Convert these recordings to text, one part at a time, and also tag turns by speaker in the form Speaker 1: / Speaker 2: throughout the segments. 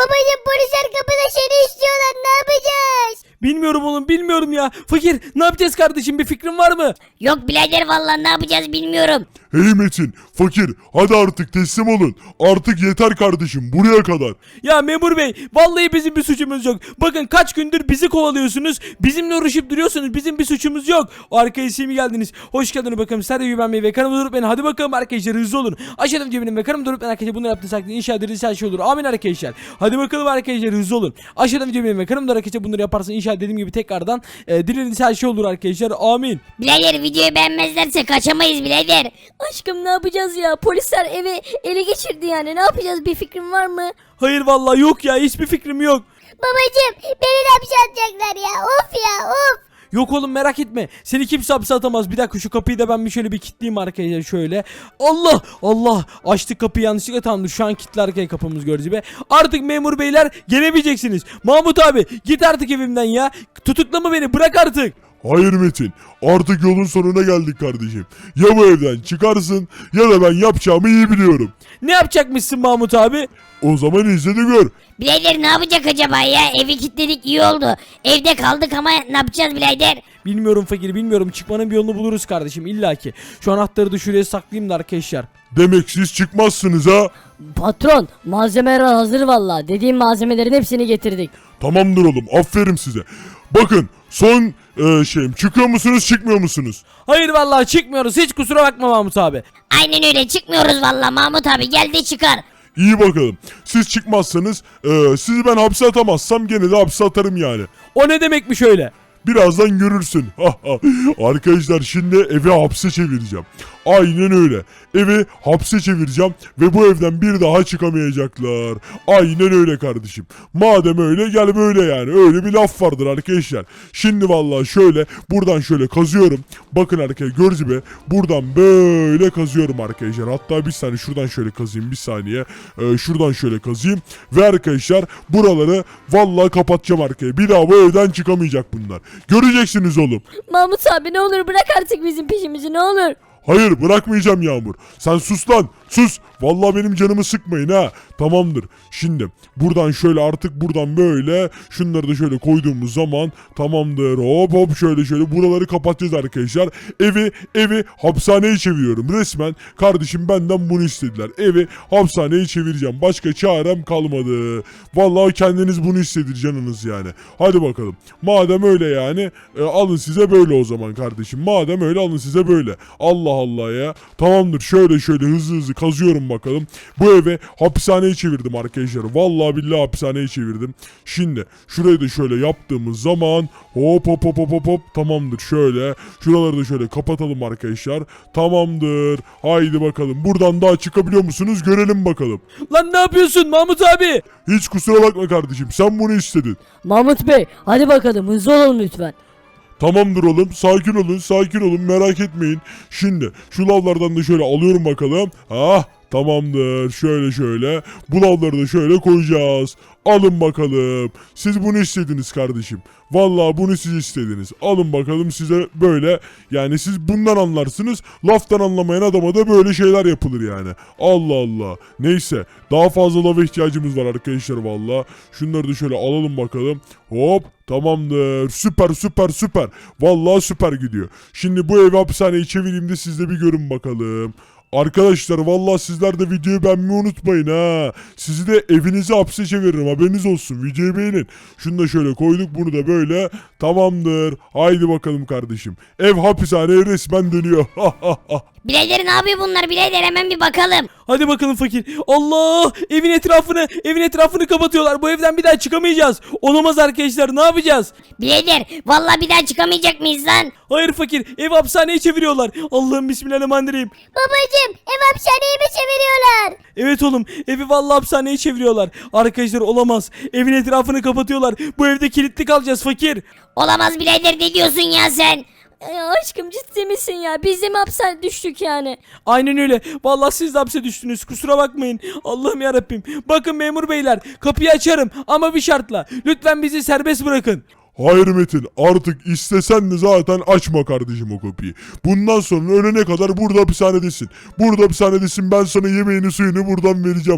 Speaker 1: Babacım polisler kapıda seni istiyorlar, ne yapacağız?
Speaker 2: Bilmiyorum oğlum, bilmiyorum ya. Fakir, ne yapacağız kardeşim, bir fikrin var mı?
Speaker 1: Yok birader vallahi ne yapacağız bilmiyorum.
Speaker 3: Hey Metin, fakir, hadi artık teslim olun. Artık yeter kardeşim, buraya kadar.
Speaker 2: Ya memur bey, vallahi bizim bir suçumuz yok. Bakın kaç gündür bizi kovalıyorsunuz. Bizimle uğraşıp duruyorsunuz. Bizim bir suçumuz yok. Arkaya mi geldiniz? Hoş geldiniz bakalım. Serve güvenmeyi ve kanalıma durup beni. Hadi bakalım arkadaşlar, hızlı olun. Aşağıdan cebinin ve kanalıma durup ben arkadaşlar bunu yaptığınız takdirde inşallah dediğiniz her şey olur. Amin arkadaşlar. Hadi bakalım arkadaşlar, hızlı olun. Aşağıdan cebinin ve kanalıma arkadaşlar bunları yaparsan inşallah dediğim gibi tekrardan dilediğiniz her şey olur arkadaşlar. Amin.
Speaker 1: Birader videoyu beğenmezlerse kaçamayız birader.
Speaker 4: Aşkım ne yapacağız ya? Polisler evi ele geçirdi yani. Ne yapacağız? Bir fikrin var mı?
Speaker 2: Hayır vallahi yok ya, hiçbir fikrim yok.
Speaker 1: Babacım beni de hapse atacaklar ya, of ya of.
Speaker 2: Yok oğlum, merak etme. Seni kimse hapse atamaz. Bir dakika, şu kapıyı da ben bir şöyle bir kilitleyeyim arkadaşlar şöyle. Allah Allah, açtık kapıyı yanlışlıkla, tamamdır. Şu an kilitli arkaya kapımız gördüğünüz gibi. Artık memur beyler gelemeyeceksiniz. Mahmut abi git artık evimden ya. Tutuklama beni, bırak artık.
Speaker 3: Hayır Metin, artık yolun sonuna geldik kardeşim. Ya bu evden çıkarsın ya da ben yapacağımı iyi biliyorum.
Speaker 2: Ne yapacakmışsın Mahmut abi?
Speaker 3: O zaman izle de gör.
Speaker 1: Birader ne yapacak acaba ya, evi kilitledik iyi oldu. Evde kaldık ama ne yapacağız birader?
Speaker 2: Bilmiyorum fakir, bilmiyorum. Çıkmanın bir yolunu buluruz kardeşim illaki. Şu anahtarı da şuraya saklayayım da arkadaşlar.
Speaker 3: Demek siz çıkmazsınız ha?
Speaker 4: Patron malzemeler hazır valla. Dediğim malzemelerin hepsini getirdik.
Speaker 3: Tamamdır oğlum, aferin size. Bakın son şeyim, çıkıyor musunuz çıkmıyor musunuz?
Speaker 2: Hayır vallahi çıkmıyoruz. Hiç kusura bakma Mahmut abi.
Speaker 1: Aynen öyle, çıkmıyoruz vallahi Mahmut abi, gel de çıkar.
Speaker 3: İyi bakalım. Siz çıkmazsanız sizi ben hapse atamazsam gene de hapse atarım yani.
Speaker 2: O ne demekmiş öyle?
Speaker 3: Birazdan görürsün. Arkadaşlar şimdi evi hapse çevireceğim. Aynen öyle. Evi hapse çevireceğim ve bu evden bir daha çıkamayacaklar. Aynen öyle kardeşim. Madem öyle gel böyle yani. Öyle bir laf vardır arkadaşlar. Şimdi vallahi şöyle buradan şöyle kazıyorum. Bakın arkadaşlar gördüğünüz gibi buradan böyle kazıyorum arkadaşlar. Hatta bir saniye şuradan şöyle kazayım, bir saniye. Şuradan şöyle kazayım. Ve arkadaşlar buraları vallahi kapatacağım arkaya. Bir daha bu evden çıkamayacak bunlar. Göreceksiniz oğlum.
Speaker 4: Mahmut abi ne olur bırak artık bizim peşimizi ne olur.
Speaker 3: Hayır bırakmayacağım Yağmur. Sen sus lan sus. Vallahi benim canımı sıkmayın ha. Tamamdır. Şimdi buradan şöyle artık buradan böyle şunları da şöyle koyduğumuz zaman tamamdır. Hop hop şöyle buraları kapatacağız arkadaşlar. Evi hapishaneye çeviriyorum resmen. Kardeşim benden bunu istediler. Evi hapishaneye çevireceğim. Başka çarem kalmadı. Vallahi kendiniz bunu istedir canınız yani. Hadi bakalım. Madem öyle yani alın size böyle o zaman kardeşim. Madem öyle alın size böyle. Allah Allah ya. Tamamdır. Şöyle hızlı kazıyorum bakalım. Bu eve hapishaneye çevirdim arkadaşlar. Vallahi billahi hapishaneye çevirdim. Şimdi şurayı da şöyle yaptığımız zaman hop tamamdır. Şöyle şuraları da şöyle kapatalım arkadaşlar. Tamamdır. Haydi bakalım. Buradan daha çıkabiliyor musunuz? Görelim bakalım.
Speaker 2: Lan ne yapıyorsun Mahmut abi?
Speaker 3: Hiç kusura bakma kardeşim. Sen bunu istedin.
Speaker 4: Mahmut Bey hadi bakalım hızlı olun lütfen.
Speaker 3: Tamamdır oğlum. Sakin olun. Merak etmeyin. Şimdi şu lavlardan da şöyle alıyorum bakalım. Tamamdır. Şöyle. Bu lavları da şöyle koyacağız. Alın bakalım. Siz bunu istediniz kardeşim. Vallahi bunu siz istediniz. Alın bakalım size böyle. Yani siz bundan anlarsınız. Laftan anlamayan adama da böyle şeyler yapılır yani. Allah Allah. Neyse. Daha fazla lava ihtiyacımız var arkadaşlar vallahi. Şunları da şöyle alalım bakalım. Hop. Tamamdır. Süper. Vallahi süper gidiyor. Şimdi bu evi hapishaneye çevireyim de siz de bir görün bakalım. Arkadaşlar vallahi sizler de videoyu beğenmeyi unutmayın ha. Sizi de evinize hapse çeviririm, haberiniz olsun. Videoyu beğenin. Şunu da şöyle koyduk, bunu da böyle. Tamamdır. Haydi bakalım kardeşim. Ev hapishaneye resmen dönüyor.
Speaker 1: Birader ne yapıyor bunlar birader, hemen bir bakalım.
Speaker 2: Hadi bakalım fakir. Allah! Evin etrafını kapatıyorlar. Bu evden bir daha çıkamayacağız. Olamaz arkadaşlar. Ne yapacağız?
Speaker 1: Birader vallahi bir daha çıkamayacak mıyız lan?
Speaker 2: Hayır fakir. Ev hapishaneye çeviriyorlar. Allah'ım bismillahirrahmanirrahim.
Speaker 1: Babacım ev hapishaneye mi çeviriyorlar?
Speaker 2: Evet oğlum. Evi vallahi hapishaneye çeviriyorlar. Arkadaşlar olamaz. Evin etrafını kapatıyorlar. Bu evde kilitli kalacağız fakir.
Speaker 1: Olamaz birader, ne diyorsun ya sen?
Speaker 4: Aşkım ciddi misin ya? Biz de mi hapse düştük yani?
Speaker 2: Aynen öyle. Vallahi siz de hapse düştünüz. Kusura bakmayın. Allah'ım yarabbim. Bakın memur beyler. Kapıyı açarım ama bir şartla. Lütfen bizi serbest bırakın.
Speaker 3: Hayır Metin, artık istesen de zaten açma kardeşim o kapıyı. Bundan sonra ölene kadar burada hapishanedesin. Burada hapishanedesin, ben sana yemeğini suyunu buradan vereceğim.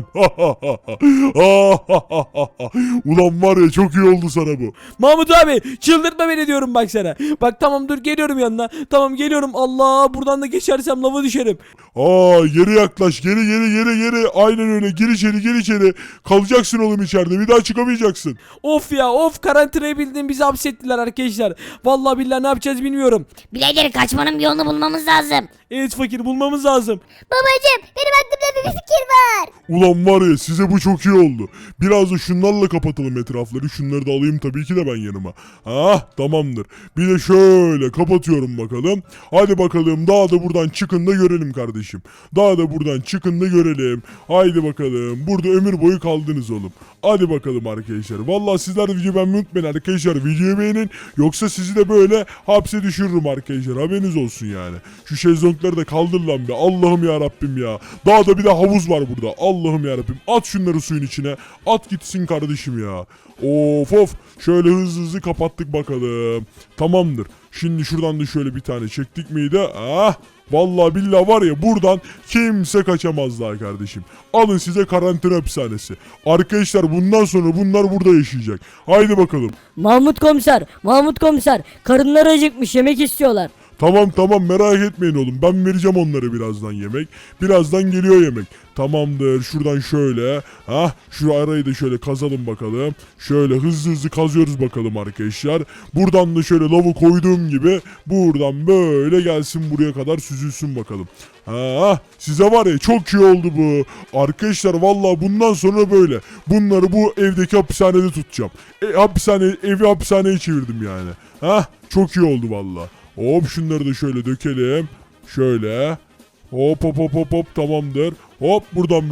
Speaker 3: Ulan var ya, çok iyi oldu sana bu.
Speaker 2: Mahmut abi çıldırtma beni diyorum bak sana. Bak tamam dur geliyorum yanına. Tamam geliyorum. Allah buradan da geçersem lava düşerim.
Speaker 3: Geri yaklaş, geri. Aynen öyle, gir içeri. Kalacaksın oğlum içeride, bir daha çıkamayacaksın.
Speaker 2: Of ya of, karantinaya bildiğin bizi hapsettiler arkadaşlar. Vallahi billahi ne yapacağız bilmiyorum.
Speaker 1: Birader kaçmanın bir yolunu bulmamız lazım.
Speaker 2: Evet fakir, bulmamız lazım.
Speaker 4: Babacım benim aklımda bir fikir var.
Speaker 3: Ulan var ya, size bu çok iyi oldu. Biraz da şunlarla kapatalım etrafları. Şunları da alayım tabii ki de ben yanıma. Tamamdır. Bir de şöyle kapatıyorum bakalım. Hadi bakalım, daha da buradan çıkın da görelim kardeşim. Daha da buradan çıkın da görelim. Haydi bakalım. Burada ömür boyu kaldınız oğlum. Hadi bakalım arkadaşlar. Vallahi sizler de videoyu beğenmeyi unutmayın arkadaşlar. Videoyu beğenin. Yoksa sizi de böyle hapse düşürürüm arkadaşlar. Haberiniz olsun yani. Şu şezlongları da kaldır lan be. Allah'ım ya Rabbim ya. Daha da bir de havuz var burada. Allah'ım ya Rabbim. At şunları suyun içine. At gitsin kardeşim ya. Of. Şöyle hızlı kapattık bakalım. Tamamdır. Şimdi şuradan da şöyle bir tane çektik miydi? Vallahi billahi var ya, buradan kimse kaçamazlar kardeşim. Alın size karantina hapishanesi. Arkadaşlar bundan sonra bunlar burada yaşayacak. Haydi bakalım.
Speaker 4: Mahmut komiser karınları acıkmış yemek istiyorlar.
Speaker 3: Tamam merak etmeyin oğlum. Ben vereceğim onlara birazdan yemek. Birazdan geliyor yemek. Tamamdır. Şuradan şöyle. Şu arayı da şöyle kazalım bakalım. Şöyle hızlı kazıyoruz bakalım arkadaşlar. Buradan da şöyle lavı koyduğum gibi buradan böyle gelsin, buraya kadar süzülsün bakalım. Size var ya, çok iyi oldu bu. Arkadaşlar vallahi bundan sonra böyle. Bunları bu evdeki hapishanede tutacağım. Evi hapishaneye çevirdim yani. Çok iyi oldu vallahi. Hop şunları da şöyle dökelim. Şöyle. Hop tamamdır. Hop buradan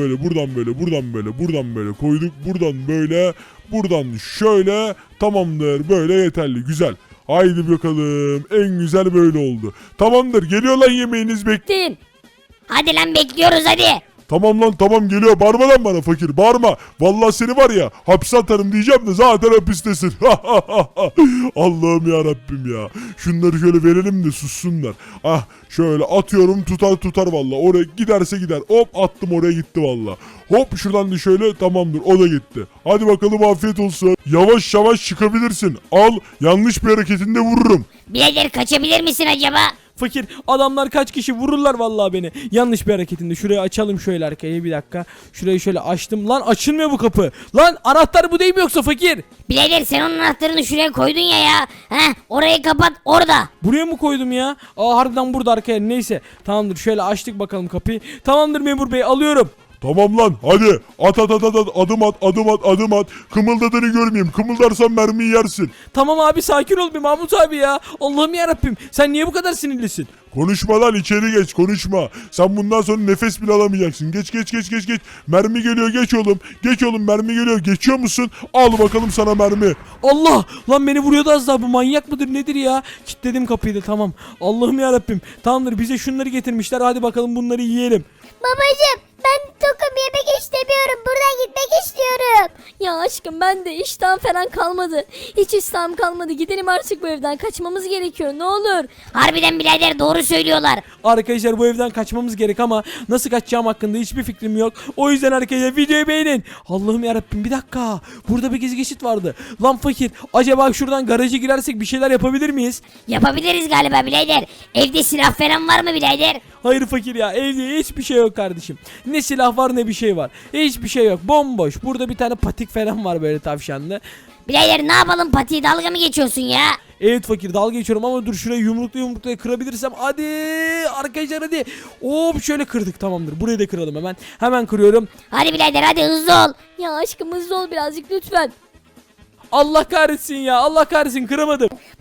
Speaker 3: böyle koyduk. Buradan şöyle. Tamamdır, böyle yeterli, güzel. Haydi bakalım, en güzel böyle oldu. Tamamdır, geliyor lan yemeğiniz,
Speaker 4: Din.
Speaker 1: Hadi lan bekliyoruz hadi.
Speaker 3: Tamam lan, tamam geliyor. Bağırma lan bana fakir, bağırma. Vallahi seni var ya hapse atarım diyeceğim de zaten hapistesin. Allah'ım ya Rabbim ya. Şunları şöyle verelim de sussunlar. Şöyle atıyorum, tutar vallahi. Oraya giderse gider. Hop attım, oraya gitti vallahi. Hop şuradan da şöyle, tamamdır, o da gitti. Hadi bakalım, afiyet olsun. Yavaş çıkabilirsin. Al, yanlış bir hareketinde vururum.
Speaker 1: Birader kaçabilir misin acaba?
Speaker 2: Fakir, adamlar kaç kişi vururlar vallahi beni. Yanlış bir hareketinde. Şurayı açalım şöyle arkaya, bir dakika. Şurayı şöyle açtım. Lan açılmıyor bu kapı. Lan anahtar bu değil mi yoksa fakir?
Speaker 1: Birader sen onun anahtarını şuraya koydun ya. Orayı kapat orada.
Speaker 2: Buraya mı koydum ya? Harbiden burada arkaya. Neyse. Tamamdır, şöyle açtık bakalım kapıyı. Tamamdır memur bey, alıyorum.
Speaker 3: Tamam lan, hadi at, adım at. Kımıldadığını görmeyeyim. Kımıldarsan mermiyi yersin.
Speaker 2: Tamam abi, sakin ol bir Mahmut abi ya. Allah'ım yarabbim, sen niye bu kadar sinirlisin?
Speaker 3: Konuşma lan, içeri geç, konuşma. Sen bundan sonra nefes bile alamayacaksın. Geç. Mermi geliyor, geç oğlum, mermi geliyor. Geçiyor musun? Al bakalım sana mermi.
Speaker 2: Allah lan, beni vuruyordu az daha, bu manyak mıdır nedir ya? Kilitledim kapıyı da, tamam. Allah'ım yarabbim. Tamamdır, bize şunları getirmişler, hadi bakalım bunları yiyelim.
Speaker 4: Babacım ben tokum, yemek istemiyorum, buradan gitmek istiyorum. Ya aşkım ben de iştahım falan kalmadı. Hiç iştahım kalmadı, gidelim artık bu evden, kaçmamız gerekiyor ne olur.
Speaker 1: Harbiden birader doğru söylüyorlar.
Speaker 2: Arkadaşlar bu evden kaçmamız gerek ama nasıl kaçacağım hakkında hiçbir fikrim yok. O yüzden arkadaşlar videoyu beğenin. Allah'ım yarabbim, bir dakika. Burada bir gizli geçit vardı. Lan fakir, acaba şuradan garaja girersek bir şeyler yapabilir miyiz?
Speaker 1: Yapabiliriz galiba birader. Evde silah falan var mı birader?
Speaker 2: Hayır fakir ya, evde hiçbir şey yok kardeşim. Ne silah var ne bir şey var. Hiçbir şey yok, bomboş. Burada bir tane patik falan var böyle tavşanlı.
Speaker 1: Birader ne yapalım, patiyi dalga mı geçiyorsun ya?
Speaker 2: Evet fakir, dalga geçiyorum ama dur şurayı yumrukla kırabilirsem. Hadi arkadaşlar hadi. Hop şöyle kırdık, tamamdır. Burayı da kıralım hemen. Hemen kırıyorum.
Speaker 1: Hadi birader hadi hızlı ol.
Speaker 4: Ya aşkım hızlı ol birazcık lütfen.
Speaker 2: Allah kahretsin ya, Allah kahretsin, kıramadım.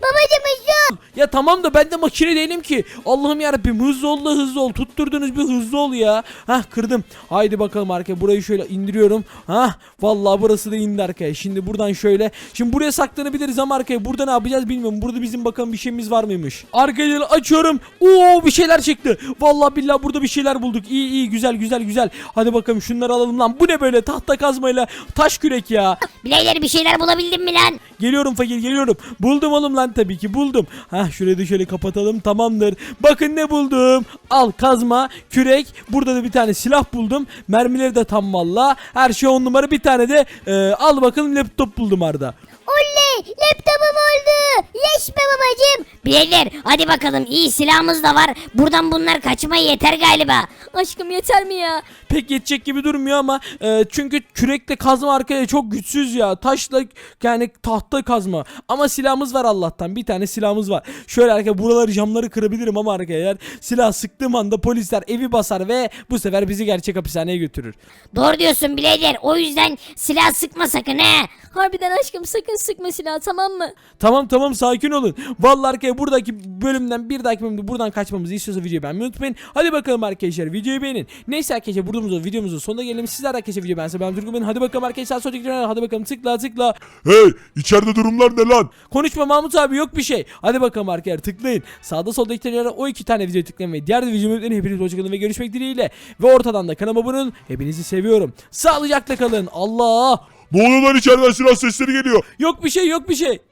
Speaker 4: Babacım hızlı ol.
Speaker 2: Ya tamam da ben de makine değilim ki. Allah'ım yarabbim, hızlı ol da hızlı ol. Tutturdunuz bir hızlı ol ya. Hah, kırdım. Haydi bakalım arkaya, burayı şöyle indiriyorum. Hah, vallahi burası da indi arkaya. Şimdi buradan şöyle. Şimdi buraya saklanabiliriz ama arkaya burada ne yapacağız bilmiyorum. Burada bizim bakalım bir şeyimiz var mıymış. Arkaya açıyorum. Oo, bir şeyler çıktı. Vallahi billahi burada bir şeyler bulduk. İyi iyi, güzel güzel güzel. Hadi bakalım şunları alalım lan. Bu ne böyle, tahta kazmayla taş kürek ya.
Speaker 1: Birader bir şeyler bulabildin mi lan?
Speaker 2: Geliyorum fakir, geliyorum. Buldum oğlum lan, tabii ki buldum. Hah, şurayı da şöyle kapatalım, tamamdır. Bakın ne buldum. Al, kazma, kürek. Burada da bir tane silah buldum. Mermileri de tam valla. Her şey 10 numara. Bir tane de al bakalım laptop buldum Arda.
Speaker 4: Oley laptopum oldu. Yes be babacım.
Speaker 1: Birader hadi bakalım, iyi silahımız da var. Buradan bunlar kaçmaya yeter galiba.
Speaker 4: Aşkım yeter mi ya?
Speaker 2: Pek yetecek gibi durmuyor ama çünkü kürekle kazma arkaya çok güçsüz ya. Taşla yani tahta kazma. Ama silahımız var Allah'tan. Bir tane silahımız var. Şöyle arkaya buraları, camları kırabilirim ama arkaya eğer silah sıktığım anda polisler evi basar ve bu sefer bizi gerçek hapishaneye götürür.
Speaker 1: Doğru diyorsun birader, o yüzden silah sıkma sakın he.
Speaker 4: Harbiden aşkım sakın sıkma silahı, tamam mı?
Speaker 2: Tamam tamam, sakin olun. Vallahi arkaya buradaki bölümden bir dahaki bölümde buradan kaçmamızı istiyorsa videoyu beğenmeyi unutmayın. Hadi bakalım arkadaşlar, videoyu beğenin. Neyse arkadaşlar, videomuzun sonuna gelelim. Sizler arkadaşlar videoyu beğense ben Turgut beğenin. Hadi bakalım arkadaşlar, sonraki videoya hadi bakalım, tıkla tıkla.
Speaker 3: Hey, içeride durumlar ne lan?
Speaker 2: Konuşma Mahmut abi, yok bir şey. Hadi bakalım arkadaşlar, tıklayın. Sağda solda iki tane o iki tane videoyu tıklayın ve diğer videomu yükleyin. Hepiniz hoşçakalın ve görüşmek dileğiyle. Ve ortadan da kanalıma abone olun. Hepinizi seviyorum. Sağlıcakla kalın. Allah.
Speaker 3: Ne oluyor lan, içeriden silah sesleri geliyor.
Speaker 2: Yok bir şey, yok bir şey.